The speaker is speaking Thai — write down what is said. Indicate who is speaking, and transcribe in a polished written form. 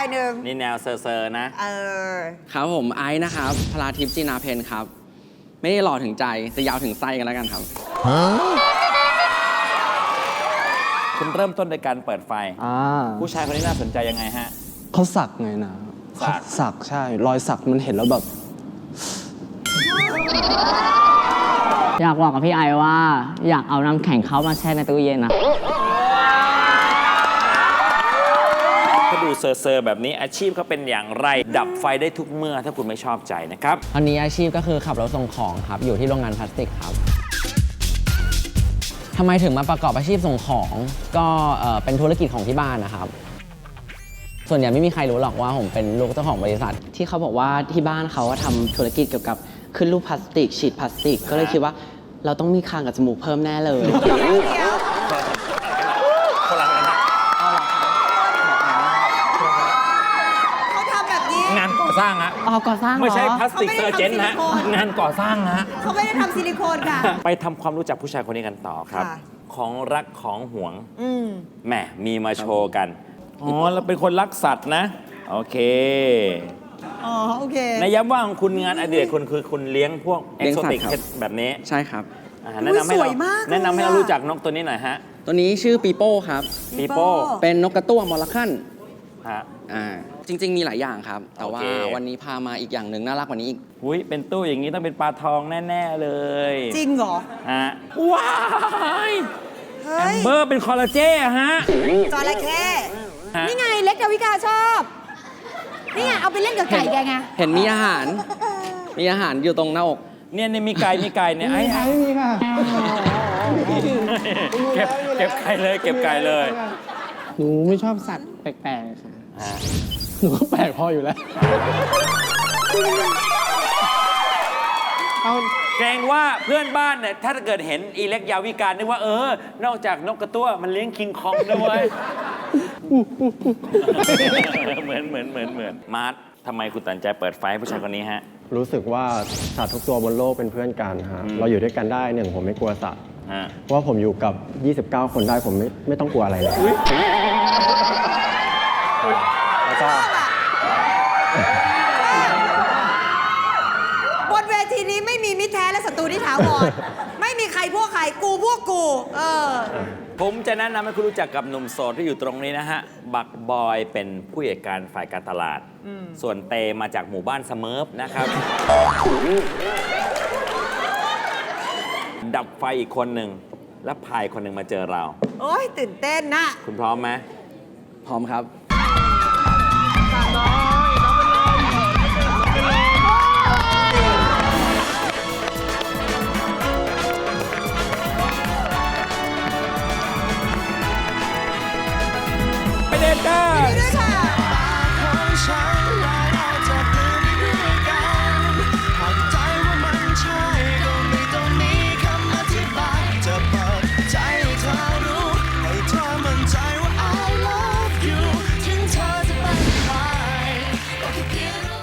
Speaker 1: ายหนึ่ง
Speaker 2: นี่แนวเซอร์นะ
Speaker 3: ครับผมไอซ์นะครับพลาทิพย์จีนาเพนครับ ไม่ได้หล่อถึงใจจะยาวถึงไส้กันแล้วกันครับ
Speaker 2: คุณเริ่มต้นโดยการเปิดไฟผู้ชายคนนี้น่าสนใจยังไงฮะ
Speaker 4: เขาสักไงนะ สักใช่ รอยสักมันเห็นแล้วแบบ
Speaker 5: อยากบอกกับพี่ไอว่าอยากเอาน้ำแข็งเขามาแช่ในตู้เย็นนะ
Speaker 2: ถ้าดูเซอร์แบบนี้อาชีพเขาเป็นอย่างไรดับไฟได้ทุกเมื่อถ้าคุณไม่ชอบใจนะครับ
Speaker 5: ตอนนี้อาชีพก็คือขับรถส่งของครับอยู่ที่โรงงานพลาสติกครับทำไมถึงมาประกอบอาชีพส่งของก็เป็นธุรกิจของที่บ้านนะครับส่วนใหญ่ไม่มีใครรู้หรอกว่าผมเป็นลูกเจ้าของบริษัท
Speaker 3: ที่เขาบอกว่าที่บ้านเขาทำธุรกิจเกี่ยวกับขึ้นรูปพลาสติกฉีดพลาสติกก็เลยคิดว่าเราต้องมีคางกับจมูกเพิ่มแน่เลย
Speaker 1: เขาทำแบบนี้
Speaker 2: งานก่อสร้างฮะ
Speaker 5: ก่อสร้าง
Speaker 2: ไม่ใช่พลาสติกเซอร์เจนนะงานก่อสร้างฮะ
Speaker 1: เขาไม่ได้ทำซิลิโคนค่ะ
Speaker 2: ไปทำความรู้จักผู้ชายคนนี้กันต่อครับของรักของหวงแหมมีมาโชว์กันอ๋อเราเป็นคนรักสัตว์นะโอเค
Speaker 1: โอเค
Speaker 2: ในย้ำว่าของคุณงานอดิเรกคุณคือคุณเลี้ยงพวกเอ็กโซติกแบบนี้
Speaker 3: ใช่ครับ
Speaker 2: แนะนำให้เรารู้จักนกตัวนี้หน่อยฮะ
Speaker 3: ตัวนี้ชื่อปีโป้ครับ
Speaker 2: ปีโป้
Speaker 3: เป็นนกกระตั้วมอลลัคคัน
Speaker 2: ฮะ
Speaker 3: จริงๆมีหลายอย่างครับแต่ว่าวันนี้พามาอีกอย่างหนึ่งน่ารักกว่านี้อีก
Speaker 2: อุ้ยเป็นตู้อย่างนี้ต้องเป็นปลาทองแน่ๆเลย
Speaker 1: จริงเหรอ
Speaker 2: ฮะว้ายแอมเบอร์เป็นคอลลาเจนฮะ
Speaker 1: จระเข้นี่ไงเล็กดาวิกาชอบนี่ไงเอาไปเล่นกับไก่แกไง
Speaker 3: เห็นมีอาหารอยู่ตรงหน้าอก
Speaker 2: เนี่ยมีไก่เนี่ยไอ้
Speaker 4: ไม่มีค่ะ
Speaker 2: เก็บไก่เลย
Speaker 4: หนูไม่ชอบสัตว์แปลกๆค่ะหนูก็แปลกพออยู่แล้ว
Speaker 2: เกรงว่าเพื่อนบ้านเนี่ยถ้าเกิดเห็นอีเล็กยาวิการนึกว่านอกจากนกกระตั้วมันเลี้ยงคิงคองด้วยเหมือนมาร์ททำไมคุณตัดใจเปิดไฟผู้ชายคนนี้ฮะ
Speaker 4: รู้สึกว่าสัตว์ทุกตัวบนโลกเป็นเพื่อนกันฮะเราอยู่ด้วยกันได้ผมไม่กลัวสัตว์เพราะว่าผมอยู่กับ 29 คนได้ผมไม่ต้องกลัวอะไรเลยแล้วก็
Speaker 1: บนเวทีนี้ไม่มีมิตรแท้และศัตรูที่ถาวรไม่มีใครพวกใครกูพวกกู
Speaker 2: ผมจะแนะนำให้คุณรู้จักกับหนุ่มโสดที่อยู่ตรงนี้นะฮะบักบอยเป็นผู้จัดการฝ่ายการตลาดส่วนเตมาจากหมู่บ้านเสเมิร์ฟนะครับดับไฟอีกคนหนึ่งและพายคนหนึ่งมาเจอเรา
Speaker 1: โอ้ยตื่นเต้นนะ
Speaker 2: คุณพร้อมไหม
Speaker 3: พร้อมครับ